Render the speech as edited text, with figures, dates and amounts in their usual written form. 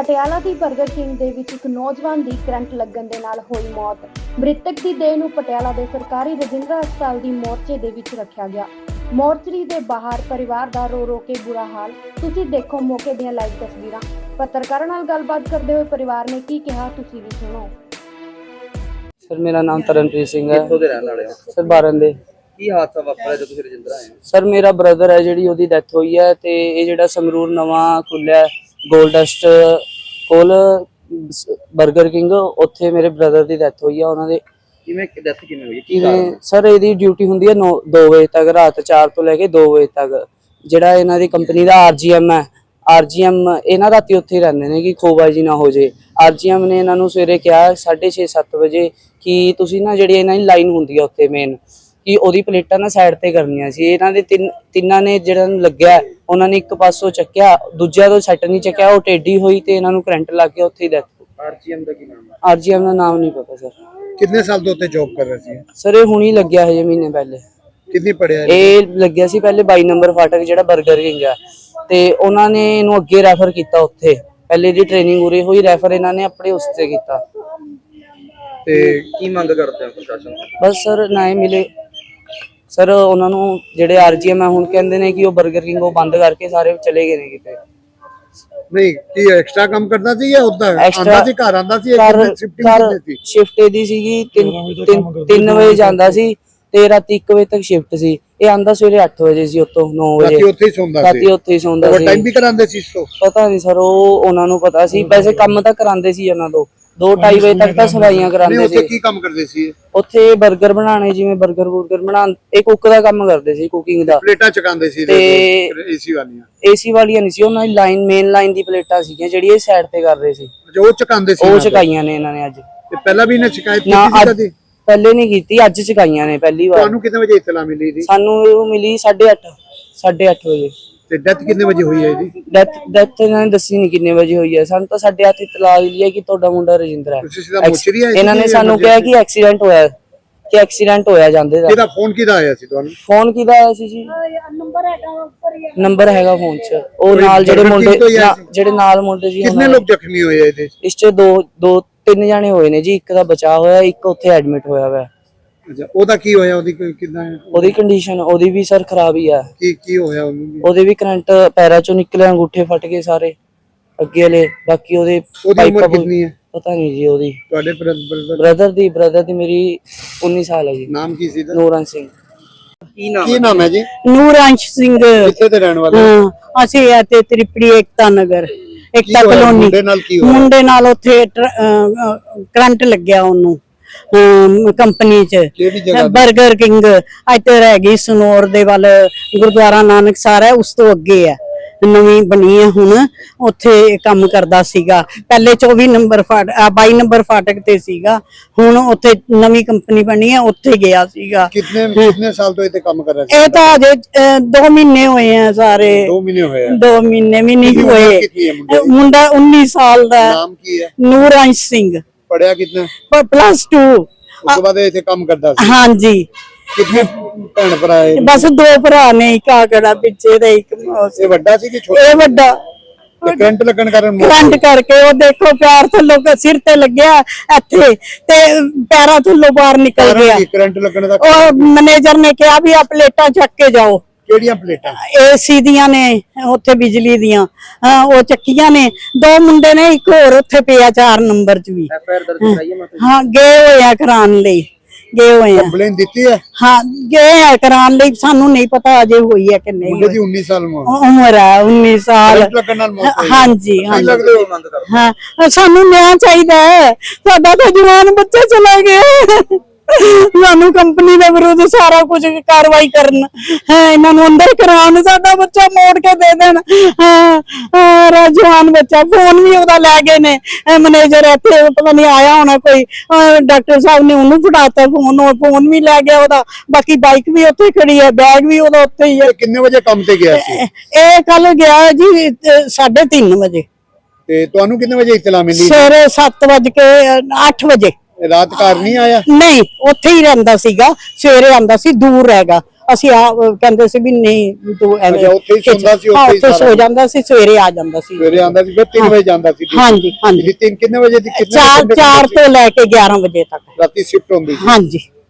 ਪਟਿਆਲਾ ਦੀ 버ਗਰ king ਦੇ ਵਿੱਚ ਇੱਕ ਨੌਜਵਾਨ ਦੀ ਕਰੰਟ ਲੱਗਣ ਦੇ ਨਾਲ ਹੋਈ ਮੌਤ। ਮ੍ਰਿਤਕ ਦੀ ਦੇਹ ਨੂੰ ਪਟਿਆਲਾ ਦੇ ਸਰਕਾਰੀ ਰਜਿੰਦਰਾ ਹਸਪਤਾਲ ਦੀ ਮੋਰਚੇ ਦੇ ਵਿੱਚ ਰੱਖਿਆ ਗਿਆ। ਮੋਰਚਰੀ ਦੇ ਬਾਹਰ ਪਰਿਵਾਰ ਦਾ ਰੋ ਕੇ ਬੁਰਾ ਹਾਲ। ਤੁਸੀਂ ਦੇਖੋ ਮੌਕੇ ਦੀਆਂ ਲਾਈਵ ਤਸਵੀਰਾਂ। ਪੱਤਰਕਾਰਾਂ ਨਾਲ ਗੱਲਬਾਤ ਕਰਦੇ ਹੋਏ ਪਰਿਵਾਰ ਨੇ ਕੀ ਕਿਹਾ, ਤੁਸੀਂ ਵੀ ਸੁਣੋ। सर मेरा नाम तरनप्रीत सिंह है। ਕਿੱਥੋਂ ਦੇ ਰਹਿਣ ਵਾਲੇ ਹੋ? सर बारन दे। ਕੀ ਹਾਦਸਾ ਵਾਪਰਿਆ ਜਦੋਂ ਤੁਸੀਂ ਰਜਿੰਦਰਾ ਆਏ ਹੋ? सर मेरा ब्रदर है जिहड़ी ओदी डेथ हुई है ते ये जिहड़ा संगरूर नवां खुलिया गोल्डस्ट कोल 버ਗਰ किंग उत्थे मेरे ब्रदर दी डेथ हुई है। उन्हां दे ਕਿਵੇਂ ਡੈਥ ਕਿਵੇਂ ਹੋਈ? ਕੀ ਕਾਰਨ? सर ਇਹਦੀ ਡਿਊਟੀ ਹੁੰਦੀ ਹੈ 2 ਵਜੇ ਤੱਕ, ਰਾਤ 4 ਤੋਂ ਲੈ ਕੇ 2 ਵਜੇ ਤੱਕ। ਜਿਹੜਾ ਇਹਨਾਂ ਦੀ ਕੰਪਨੀ ਦਾ ਆਰਜੀਐਮ ਹੈ, ਆਰਜੀਐਮ ਇਹਨਾਂ ਰਾਤੀ ਉੱਥੇ ਹੀ ਰਹਿੰਦੇ ਨੇ ਕਿ ਖੋਬਾਜੀ ਨਾ ਹੋ ਜੇ। ਆਰਜੀਐਮ ਨੇ ਇਹਨਾਂ ਨੂੰ ਸਵੇਰੇ ਕਿਹਾ 6:30-7 ਵਜੇ ਕਿ ਤੁਸੀਂ ਨਾ ਜਿਹੜੀ ਇਹਨਾਂ ਦੀ ਲਾਈਨ ਹੁੰਦੀ ਹੈ ਉੱਥੇ ਮੇਨ ਕਿ ਉਹਦੀ ਪਲੇਟਾਂ ਨਾ ਸਾਈਡ ਤੇ ਕਰਨੀਆਂ ਸੀ। ਇਹਨਾਂ ਦੇ ਤਿੰਨਾਂ ਨੇ ਜਿਹੜਾ ਨੂੰ ਲੱਗਿਆ ਉਹਨਾਂ ਨੇ ਇੱਕ ਪਾਸੋਂ ਚੱਕਿਆ, ਦੂਜਾ ਤੋਂ ਸੈੱਟ ਨਹੀਂ ਚੱਕਿਆ, ਉਹ ਟੇਢੀ ਹੋਈ ਤੇ ਇਹਨਾਂ ਨੂੰ ਕਰੰਟ ਲੱਗ ਗਿਆ, ਉੱਥੇ ਹੀ ਡੈਥ। ਆਰਜੀਐਮ ਦਾ ਕੀ ਨਾਮ ਹੈ? ਆਰਜੀਐਮ ਦਾ ਨਾਮ ਨਹੀਂ ਪਤਾ ਸਰ। कितने साल तो उत्ते जॉब कर रहे थे? ਸਰ ਇਹ ਹੁਣੀ ਲੱਗਿਆ ਹਜੇ ਮਹੀਨੇ ਪਹਿਲੇ। कितनी पढ़िया? ਇਹ ਲੱਗਿਆ ਸੀ ਪਹਿਲੇ 22 ਨੰਬਰ ਫਾਟਕ ਜਿਹੜਾ 버ਗਰ ਕਿੰਗ ਆ, ਤੇ ਉਹਨਾਂ ਨੇ ਇਹਨੂੰ ਅੱਗੇ ਰੈਫਰ ਕੀਤਾ ਉੱਥੇ। ਪਹਿਲੇ ਦੀ ਟ੍ਰੇਨਿੰਗ ਉਰੇ ਹੋਈ, ਰੈਫਰ ਇਹਨਾਂ ਨੇ ਆਪਣੇ ਉਸ ਤੇ ਕੀਤਾ। ਤੇ ਕੀ ਮੰਗ ਕਰਦੇ ਹੋ ਪ੍ਰਸ਼ਾਸਨ ਤੋਂ? ਬਸ ਸਰ ਨਾ ਹੀ ਮਿਲੇ ਸਰ ਉਹਨਾਂ ਨੂੰ। ਜਿਹੜੇ ਆਰਜੀਐਮ ਆ ਹੁਣ ਕਹਿੰਦੇ ਨੇ ਕਿ ਉਹ 버ਗਰ ਕਿੰਗ ਉਹ ਬੰਦ ਕਰਕੇ ਸਾਰੇ ਚਲੇ ਗਏ ਨੇ ਕਿਤੇ। नहीं की एक्स्ट्रा काम करता थी या उतना Extra- आंदा थी घर आंदा थी या शिफ्टिंग कितने थी? ਸ਼ਿਫਟ ਇਹਦੀ ਸੀਗੀ 3 ਵਜੇ ਜਾਂਦਾ ਸੀ ਤੇ ਰਾਤੀ 1 ਵਜੇ ਤੱਕ ਸ਼ਿਫਟ ਸੀ। ਇਹ ਆਂਦਾ ਸਵੇਰੇ 8 ਵਜੇ ਸੀ, ਉੱਥੋਂ 9 ਵਜੇ राती उत्थे ही सोंदा ਰਾਤੀ सी। ਉੱਥੇ ਹੀ ਸੌਂਦਾ ओवर ਸੀ। टाइम भी करांदे सी इसको? ਪਤਾ ਨਹੀਂ ਸਰ, ਉਹ ਉਹਨਾਂ ਨੂੰ ਪਤਾ ਸੀ। ਵੈਸੇ ਕੰਮ ਤਾਂ ਕਰਾਉਂਦੇ ਸੀ ਉਹਨਾਂ ਤੋਂ 2-2:30 ਵਜੇ ਤੱਕ ਤਾਂ ਸਫਾਈਆਂ नहीं ਕਰਾਉਂਦੇ उत्थे ਸੀ। की काम करदे सी? ਉੱਥੇ 버ਗਰ ਬਣਾਉਣੇ, ਜਿਵੇਂ 버ਗਰ ਬਣਾਉਣ, ਇਹ ਕੁੱਕ ਦਾ ਕੰਮ ਕਰਦੇ ਸੀ, ਕੁਕਿੰਗ ਦਾ। प्लेटा चकांदे सी ते- एसी वालियां? ਏਸੀ ਵਾਲੀਆਂ ਨਹੀਂ ਸੀ, ਉਹਨਾਂ ਦੀ ਲਾਈਨ ਮੇਨ ਲਾਈਨ ਦੀ ਪਲੇਟਾਂ ਸੀਗੀਆਂ ਜਿਹੜੀ ਇਹ ਸਾਈਡ ਤੇ ਕਰ ਰਹੇ ਸੀ। जो वो चकांदे सी? ਉਹ ਚਕਾਈਆਂ ਨੇ ਇਹਨਾਂ ਨੇ ਅੱਜ। ते पहला भी इन्हें शिकायत ਨਾ की थी ਅੱਜ कदी? ਪਹਿਲੇ ਨਹੀਂ ਕੀਤੀ, ਅੱਜ ਚਕਾਈਆਂ ਨੇ ਪਹਿਲੀ ਵਾਰ। ਤੁਹਾਨੂੰ कितने बजे इत्तला मिली थी? ਸਾਨੂੰ ਉਹ ਮਿਲੀ 8:30 ਵਜੇ। ते डेथ कितने बजे हुई है जी? ਡੈਥ ਇਹਨਾਂ ਨੇ ਦੱਸੀ ਨਹੀਂ ਕਿੰਨੇ ਵਜੇ ਹੋਈ ਹੈ। ਸਾਨੂੰ ਤਾਂ 8:30 ਇਤਲਾਹ ਮਿਲੀ ਹੈ ਕਿ ਤੁਹਾਡਾ ਮੁੰਡਾ ਰਜਿੰਦਰਾ ਹੈ। ਤੁਸੀਂ ਸਿੱਧਾ ਮੋਚਰੀ ਆਏ ਸੀ? ਇਹਨਾਂ ਨੇ ਸਾਨੂੰ ਕਿਹਾ ਕਿ ਐਕਸੀਡੈਂਟ ਹੋਇਆ ਜਾਂਦੇ ਦਾ। ਕਿਹਦਾ ਫੋਨ ਕਿਹਦਾ ਆਇਆ ਸੀ ਤੁਹਾਨੂੰ? ਫੋਨ ਕਿਹਦਾ ਆਇਆ ਸੀ ਜੀ? ਨੰਬਰ ਹੈਗਾ ਫੋਨ 'ਚ। ਉਹ ਨਾਲ ਜਿਹੜੇ ਮੁੰਡੇ ਜਿਹੜੇ ਨਾਲ ਮੁੰਡੇ ਸੀ, कितने लोग जख्मी हुए हैं? ਇਸ 'ਚ 3 ਜਾਣੇ ਹੋਏ ਨੇ ਜੀ। ਇੱਕ ਦਾ ਬਚਾਅ ਹੋਇਆ, ਇੱਕ ਉੱਥੇ ਐਡਮਿਟ ਹੋਇਆ ਵਾ। ਅੱਛਾ, ਉਹਦਾ ਕੀ ਹੋਇਆ? ਉਹਦੀ ਕਿਦਾਂ ਹੈ? ਉਹਦੀ ਕੰਡੀਸ਼ਨ ਉਹਦੀ ਵੀ ਸਰ ਖਰਾਬ ਹੀ ਆ। ਕੀ ਹੋਇਆ ਉਹਨੂੰ? ਉਹਦੇ ਵੀ ਕਰੰਟ ਪੈਰਾਂ 'ਚੋਂ ਨਿਕਲੇ, ਅੰਗੂਠੇ ਫਟ ਗਏ ਸਾਰੇ ਅੱਗੇ ਵਾਲੇ। ਬਾਕੀ ਉਹਦੀ ਉਹਦੀ ਉਮਰ ਪਾਈਪਾਂ ਕਿੰਨੀ ਹੈ ਪਤਾ ਨਹੀਂ ਜੀ। ਉਹਦੀ ਤੁਹਾਡੇ ਬ੍ਰਦਰ? ਬ੍ਰਦਰ ਦੀ ਮੇਰੀ 19 ਸਾਲ ਹੈ ਜੀ। ਨਾਮ ਕੀ ਸੀ? ਨੂਰਨ ਸਿੰਘ। ਕੀ ਨਾਮ ਹੈ ਜੀ? ਨੂਰਾਂਸ਼ ਸਿੰਘ। ਕਿੱਥੇ ਦੇ ਰਹਿਣ ਵਾਲੇ? ਹਾਂ, ਅਸੀਂ ਇੱਥੇ ਤ੍ਰਿਪੜੀ ਏਕਤਾ ਨਗਰ, ਏਕਤਾ ਕਲੋਨੀ। ਮੁੰਡੇ ਨਾਲ ਕੀ ਹੋਇਆ? ਮੁੰਡੇ ਨਾਲ ਉੱਥੇ ਕਰੰਟ ਲੱਗਿਆ ਉਹਨੂੰ ਕੰਪਨੀ ਚ। ਕਿਹੜੀ ਜਗ੍ਹਾ? 버ਗਰ ਕਿੰਗ ਇੱਥੇ ਰਹਿ ਗਈ ਸਨੌਰ ਦੇ ਵੱਲ, ਗੁਰਦੁਆਰਾ ਨਾਨਕ ਸਾਰਾ ਹੈ, ਉਸ ਤੋਂ ਅੱਗੇ ਹੈ, ਨਵੀਂ ਬਣੀ ਹੈ ਹੁਣ। ਉੱਥੇ ਕੰਮ ਕਰਦਾ ਸੀਗਾ ਪਹਿਲੇ 24 ਨੰਬਰ 22 ਨੰਬਰ ਫਾਟਕ ਤੇ ਸੀਗਾ। ਹੁਣ ਉੱਥੇ ਨਵੀਂ ਕੰਪਨੀ ਬਣੀ ਹੈ, ਉੱਥੇ ਗਿਆ ਸੀਗਾ। ਕਿੰਨੇ ਸਾਲ ਤੋਂ ਇੱਥੇ ਕੰਮ ਕਰ ਰਿਹਾ ਸੀ? ਇਹ ਤਾਂ ਅਜੇ 2 ਮਹੀਨੇ ਹੋਏ ਆ ਸਾਰੇ। 2 ਮਹੀਨੇ ਹੋਏ ਆ? 2 ਮਹੀਨੇ ਵੀ ਨਹੀਂ ਹੋਏ। ਕਿੰਨੀ ਹੈ ਮੁੰਡੇ ਦੀ? ਮੁੰਡਾ 19 ਸਾਲ ਦਾ। ਨਾਮ ਕੀ ਹੈ? ਨੂਰਾਂਸ਼ ਸਿੰਘ। ਪੜਿਆ ਕਿੰਨਾ? +2। ਉਸ ਤੋਂ ਬਾਅਦ ਇੱਥੇ ਕੰਮ ਕਰਦਾ ਸੀ? ਹਾਂਜੀ। ਕਿੰਨੇ ਭੈਣ ਭਰਾ ਹੈ? ਬਸ 2 ਭਰਾ ਨੇ, ਇੱਕ ਆਗੜਾ ਪਿੱਛੇ ਦਾ, ਇੱਕ ਇਹ ਵੱਡਾ ਸੀ ਕਿ ਛੋਟਾ? ਇਹ ਵੱਡਾ। ਤੇ ਕਰੰਟ ਲੱਗਣ ਕਾਰਨ ਮੌਤ ਕਰੰਟ ਕਰਕੇ ਉਹ ਦੇਖੋ ਪੈਰ ਥੱਲੋਂ ਸਿਰ ਤੇ ਲੱਗਿਆ ਇੱਥੇ ਤੇ ਪੈਰਾਂ ਥੱਲੋਂ ਬਾਹਰ ਨਿਕਲ ਗਿਆ। ਕਰੰਟ ਲੱਗਣ ਦਾ ਉਹ ਮੈਨੇਜਰ ਨੇ ਕਿਹਾ ਵੀ ਆ ਪਲੇਟਾਂ ਚੱਕ ਕੇ ਜਾਓ। ਕਿਹੜੀਆਂ ਪਲੇਟਾਂ? ਏਸੀ ਦੀਆਂ ਨੇ, ਉੱਥੇ ਬਿਜਲੀ ਦੀਆਂ। ਉਹ ਚੱਕੀਆਂ ਨੇ। 2 ਮੁੰਡੇ ਨੇ, ਇੱਕ ਹੋਰ ਉੱਥੇ ਪਿਆ 4 ਨੰਬਰ 'ਚ ਵੀ। ਐਫਆਈਆਰ ਦਰਜ ਕਰਾਈ ਹੈ ਮੈਂ? ਹਾਂ, ਗਏ ਹੋਏ ਆ ਕਰਾਉਣ ਲਈ, ਗਏ ਹੋਏ ਆ। ਕੰਪਲੇਨ ਦਿੱਤੀ ਹੈ? ਹਾਂ, ਗਏ ਆ ਕਰਾਉਣ ਲਈ। ਸਾਨੂੰ ਨਹੀਂ ਪਤਾ ਅਜੇ ਹੋਈ ਹੈ ਕਿ ਨਹੀਂ। ਮੁੰਡੇ ਦੀ 19 ਸਾਲ ਉਮਰ ਹੈ 19 ਸਾਲ। ਕਰੰਟ ਲੱਗਣ ਨਾਲ ਮੌਤ ਹੋਈ? ਹਾਂਜੀ ਹਾਂਜੀ। ਲੱਗਦੇ ਹੋ? ਮੰਗ ਕਰਦੇ ਹਾਂ, ਸਾਨੂੰ ਨਿਆਂ ਚਾਹੀਦਾ ਹੈ। ਸਾਡਾ ਤਾਂ ਜਵਾਨ ਬੱਚਾ ਚਲਾ ਗਿਆ। ਸਾਨੂੰ ਕੰਪਨੀ ਦੇ ਵਿਰੁੱਧ ਸਾਰਾ ਕੁਝ ਕਾਰਵਾਈ ਕਰਨ, ਇਹਨਾਂ ਨੂੰ ਅੰਦਰ ਕਰਾਉਣ, ਸਾਡਾ ਬੱਚਾ ਮੋੜ ਕੇ ਦੇ ਦੇਣ। ਜਵਾਨ ਬੱਚਾ। ਫੋਨ ਵੀ ਉਹਦਾ ਲੈ ਗਏ ਨੇ ਮੈਨੇਜਰ, ਇੱਥੇ ਪਤਾ ਨਹੀਂ ਆਇਆ ਹੋਣਾ ਕੋਈ, ਡਾਕਟਰ ਸਾਹਿਬ ਨੇ ਉਹਨੂੰ ਫੜਾਤਾ ਫੋਨ ਵੀ ਲੈ ਗਿਆ ਉਹਦਾ। ਬਾਕੀ ਬਾਈਕ ਵੀ ਉੱਥੇ ਖੜੀ ਹੈ, ਬੈਗ ਵੀ ਉਹਦਾ ਉੱਥੇ ਹੀ ਹੈ। ਕਿੰਨੇ ਵਜੇ ਕੰਮ ਤੇ ਗਿਆ ਸੀ? ਇਹ ਕੱਲ ਗਿਆ ਜੀ 3:30 ਵਜੇ। ਤੇ ਤੁਹਾਨੂੰ ਕਿੰਨੇ ਵਜੇ ਇਤਲਾ ਮਿਲੀ? ਸਵੇਰੇ 8 ਵਜੇ। ਰਾਤ ਘਰ ਨਹੀਂ ਆਇਆ? ਨਹੀਂ, ਉੱਥੇ ਹੀ ਰਹਿੰਦਾ ਸੀਗਾ। ਸਵੇਰੇ ਆਂਦਾ ਸੀ, ਦੂਰ ਹੈਗਾ ਅਸੀਂ ਆ ਕਹਿੰਦੇ ਸੀ ਵੀ ਨਹੀਂ ਵੀ ਤੂੰ ਐਵੇਂ ਅੱਛਾ, ਉੱਥੇ ਹੀ ਸੌਂਦਾ ਸੀ, ਹਾਂ, ਉੱਥੇ ਹੀ ਉੱਥੇ ਸਾਰਾ ਸੋ ਜਾਂਦਾ ਸੀ, ਸਵੇਰੇ ਆ ਜਾਂਦਾ ਸੀ। ਸਵੇਰੇ ਆਂਦਾ ਸੀ, ਫਿਰ 3 ਵਜੇ ਜਾਂਦਾ ਸੀ। ਹਾਂਜੀ ਹਾਂਜੀ ਕਿੰਨੇ ਵਜੇ ਦੀ ਕਿੰਨੇ 4 ਤੋਂ ਲੈ ਕੇ 11 ਵਜੇ ਤੱਕ। ਰਾਤੀ ਸ਼ਿਫਟ ਹੁੰਦੀ ਸੀ। ਹਾਂਜੀ